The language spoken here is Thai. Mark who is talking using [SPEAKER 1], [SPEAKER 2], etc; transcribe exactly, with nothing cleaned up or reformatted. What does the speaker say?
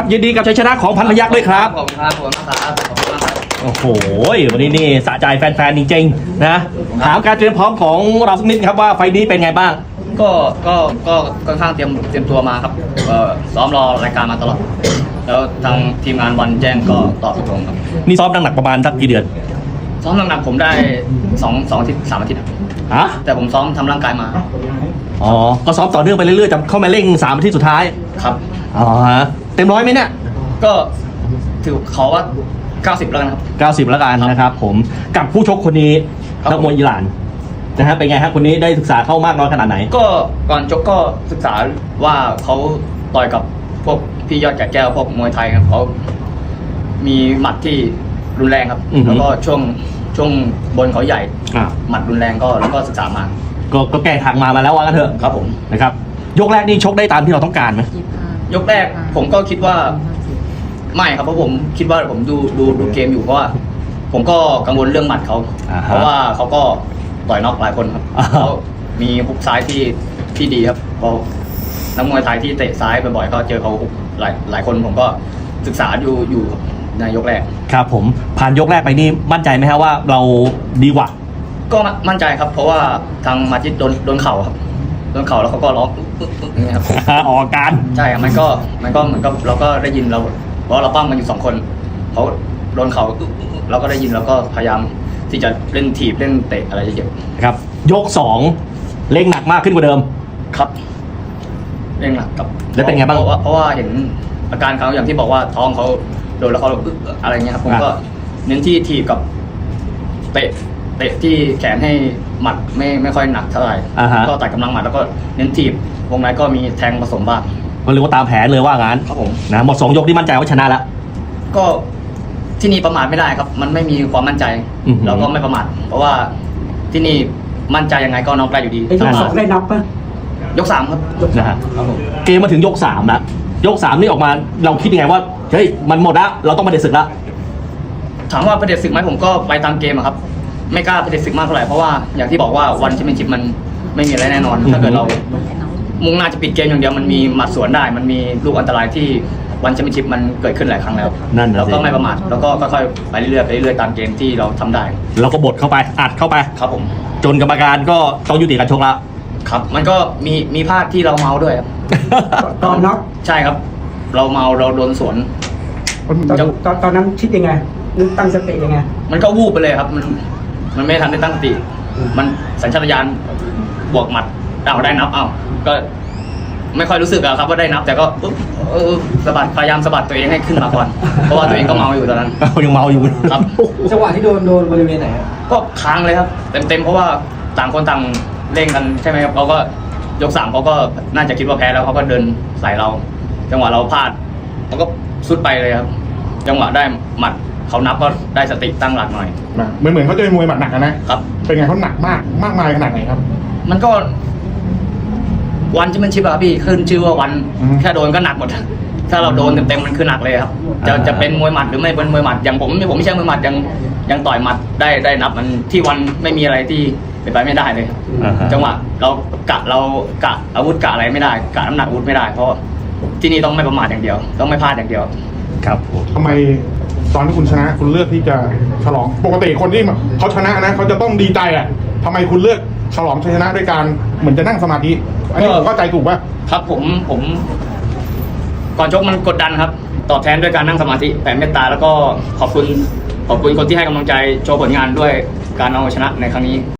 [SPEAKER 1] ยินดีกับชัยชนะของพันพยัคฆ์ด้วยครับ
[SPEAKER 2] ขอบคุณครับขอบคุณมากครับขอบคุณมากครับ
[SPEAKER 1] โอ้โหวันนี้นี่สะใจแฟนๆจริงๆนะถามการเตรียมพร้อมของเราสักนิดครับว่าไฟล์นี้เป็นไงบ้าง
[SPEAKER 2] ก็ก็ก็ค่อนข้างเตรียมเตรียมตัวมาครับเอ่อซ้อมรอรายการมาตลอดแล้วทางทีมงานวันแจ้งก็ตอบตกลงครับ
[SPEAKER 1] นี่ซ้อมหนักๆประมาณสักกี่เดือน
[SPEAKER 2] ซ้อมหนักๆผมได้สองสองอาทิตย์สามอาทิตย์ครับ
[SPEAKER 1] ฮะ
[SPEAKER 2] แต่ผมซ้อมทำร่างกายมา
[SPEAKER 1] อ๋อก็ซ้อมต่อเนื่องไปเรื่อยๆจะเข้ามาเร่งสามอาทิตย์สุดท้าย
[SPEAKER 2] ครับ
[SPEAKER 1] อ๋อฮะเต็มร้อยไหมเนี่ย
[SPEAKER 2] ก็ถือเขาว่าเก้าสิบแล้วกันครับ
[SPEAKER 1] เก้าสิบแล้วกันนะครับผมกับผู้ชกคนนี้
[SPEAKER 2] ครับ
[SPEAKER 1] นักมวยอิหร่านนะฮะเป็นไงฮะคนนี้ได้ศึกษาเข้ามากน้อยขนาดไหน
[SPEAKER 2] ก็ก่อนชกก็ศึกษาว่าเขาต่อยกับพวกพี่ยอดแก่แก้วพวกมวยไทยครับเขามีหมัดที่รุนแรงครับ
[SPEAKER 1] อือฮึ
[SPEAKER 2] แล้วก็ช่วงช่วงบนเขาใหญ่
[SPEAKER 1] อ่ะ
[SPEAKER 2] หมัดรุนแรงก็แล้วก็ศึกษามา
[SPEAKER 1] ก็ก็แก้ทางมามาแล้วว่ากันเถอะ
[SPEAKER 2] ครับผม
[SPEAKER 1] นะครับยกแรกนี่ชกได้ตามที่เราต้องการไหม
[SPEAKER 2] ยกแรกผมก็คิดว่าไม่ครับเพราะผมคิดว่าผมดูดูดูเกมอยู่เพราะว่าผมก็กังวลเรื่องหมัดเขา
[SPEAKER 1] อ่าฮะ
[SPEAKER 2] เพราะว่าเขาก็ต่อยน็อกหลายคนครับ
[SPEAKER 1] อ่า
[SPEAKER 2] เขามีฮุกซ้ายที่ที่ดีครับเพราะนักมวยไทยที่เตะซ้ายบ่อยๆก็เจอเขาฮุกหลายหลายคนผมก็ศึกษาอยู่อยู่ครับในยกแรก
[SPEAKER 1] ครับผมผ่านยกแรกไปนี่มั่นใจไหมฮะว่าเราดีกว่า
[SPEAKER 2] ก็มั่นใจครับ เพราะว่าทางมาจิตโดนโดนเข่าครับโดนเข่าแล้วเขาก็ร้องอึ๊กอึ๊กอึ๊กอย่างเงี้ยครับ
[SPEAKER 1] ออกอาการ
[SPEAKER 2] ใช่ครับมันก็มันก็เหมือนกับเราก็ได้ยินเราเพราะเราปั้มกันอยู่สองคนเขาโดนเขาอึ๊กอึ๊กอึ๊กเราก็ได้ยินแล้วก็พยายามที่จะเล่นถีบเล่นเตะอะไรเยอะ
[SPEAKER 1] ครับยกสองเล่งหนักมากขึ้นกว่าเดิม
[SPEAKER 2] ๆครับเล่นหนักกับ
[SPEAKER 1] แล้วเป็นไงบ้าง
[SPEAKER 2] เพราะว่าเพราะว่าเห็นอาการเขาอย่างที่บอกว่าท้องเขาโดนแล้วเขาอึ๊กอะไรเงี้ยครับผมก็เน้นที่ถีบกับเตะเตะที่แขนให้หมัดไม่ไม่ค่อยหนักเท่าไหร่
[SPEAKER 1] อ่าฮะ
[SPEAKER 2] ก็ตัดกำลังหมัดแล้วก็เน้นถีบวงในก็มีแทงผสมบ้าง
[SPEAKER 1] ก็เรียกว่าตามแผนเลยว่างั้น
[SPEAKER 2] ครับผม
[SPEAKER 1] นะหมดสองยกที่มั่นใจว่าชนะแล้ว
[SPEAKER 2] ก็ที่นี่ประมาทไม่ได้ครับ มันไม่มีความมั่นใจ
[SPEAKER 1] อือหือ
[SPEAKER 2] เราก็ไม่ประมาทเพราะว่าที่นี่มั่นใจยังไงก็น็อกได้อยู่ดี
[SPEAKER 3] ไอ้ยกสองได้นับปะ
[SPEAKER 2] ยกสามครับ
[SPEAKER 1] นะฮะ
[SPEAKER 2] ครับผม
[SPEAKER 1] เกมมาถึงยกสามแล้วยกสามนี่ออกมาเราคิดยังไงว่าเฮ้ยมันหมดละเราต้องมาเด็ดศึกละ
[SPEAKER 2] ถามว่าประเด็นศึกไหมผมก็ไปตามเกมอะครับ ไม่กล้าประเด็นศึกมากเท่าไหร่เพราะว่าอย่างที่บอกว่าวันแชมเปี้ยนชิพมันไม่มีอะไรแน่นอน ถ้าเกิดเรามุ่งหน้าจะปิดเกมอย่างเดียวมันมีหมัดสวนได้ มันมีลูกอันตรายที่วันแชมเปี้ยนชิพมันเกิดขึ้นหลายครั้งแล้ว
[SPEAKER 1] นั่นน่ะ
[SPEAKER 2] เรา
[SPEAKER 1] สิ
[SPEAKER 2] ก็ไม่ประมาทแล้วก็ค่อยๆไปเรื่อยๆไปเรื่อยๆตามเกมที่เราทำได้
[SPEAKER 1] เราก็บดเข้าไปอัดเข้าไป
[SPEAKER 2] ครับผม
[SPEAKER 1] จนกรรมการก็ต้องยุติการชกละ
[SPEAKER 2] ครับ มันก็มีมีพลาดที่เราเมาด้วยครับ
[SPEAKER 3] ตอนน็อก
[SPEAKER 2] ใช่ครับ เราเมาเราโดนสวน
[SPEAKER 3] ตอนตอนตอนนั้นคิดยังไงนึกตั้งสติยังไง
[SPEAKER 2] มันก็วูบไปเลยครับ มันมันไม่ทันได้ตั้งสติ มันสัญชาตญาณบวกหมัดเอาได้นับเอาก็ไม่ค่อยรู้สึกอะครับว่าได้นับ แต่ก็ปุ๊บเออสะบัดพยายามสะบัดตัวเองให้ขึ้นมาก่อน เพราะว่าตัวเองก็เมาอยู่ตอนนั้น
[SPEAKER 1] ยังเมาอยู่
[SPEAKER 2] ครับ
[SPEAKER 3] จังหวะที่โดนโดนบริเวณไหน
[SPEAKER 2] ก็ค้างเลยครับ เต็มๆเพราะว่าต่างคนต่างเร่งกันใช่ไหมครับเขาก็ยกสามเขาก็น่าจะคิดว่าแพ้แล้วเขาก็เดินใส่เรา จังหวะเราพลาดเขาก็สุดไปเลยครับ จังหวะได้หมัดเขานับก็ได้สติตั้งหลักหน่อย
[SPEAKER 4] นะเหมือนเหมือนเขาจะเป็นมวยหมัดหนักอะนะครับ เป็นไงเขาหนักมากมากมายขนาดไหนครับ
[SPEAKER 2] มันก็วันที่มันชิปอะพี่ขึ้นชื่อว่าวัน
[SPEAKER 4] อืม
[SPEAKER 2] แค่โดนก็หนักหมด ถ้าเราโดนเต็มๆมันคือหนักเลยครับ จะ
[SPEAKER 1] อ่า
[SPEAKER 2] จะเป็นมวยหมัดหรือไม่เป็นมวยหมัดอย่างผมผมไม่ใช่มวยหมัดยังยังต่อยหมัดได้ได้นับมันที่วันไม่มีอะไรที่เป็นไปไม่ได้เลยครับ
[SPEAKER 1] อ่าฮะ
[SPEAKER 2] จังหวะเรากะเรากะอาวุธกะอะไรไม่ได้กะน้ำหนักอาวุธไม่ได้เพราะที่นี่ต้องไม่ประมาทอย่างเดียว ต้องไม่พลาดอย่างเดียว
[SPEAKER 1] ครับผม
[SPEAKER 4] ทำไมตอนที่คุณชนะคุณเลือกที่จะฉลองปกติคนที่เขาชนะนะเขาจะต้องดีใจอ่ะทำไมคุณเลือกฉลองชัยชนะด้วยการเหมือนจะนั่งสมาธิอันนี้ผมเข้าใจถูกป่ะ
[SPEAKER 2] ครับผมผมก่อนชกมันกดดันครับ ตอบแทนด้วยการนั่งสมาธิแผ่เมตตาแล้วก็ขอบคุณขอบคุณคนที่ให้กำลังใจโชว์ผลงานด้วยการเอาชนะในครั้งนี้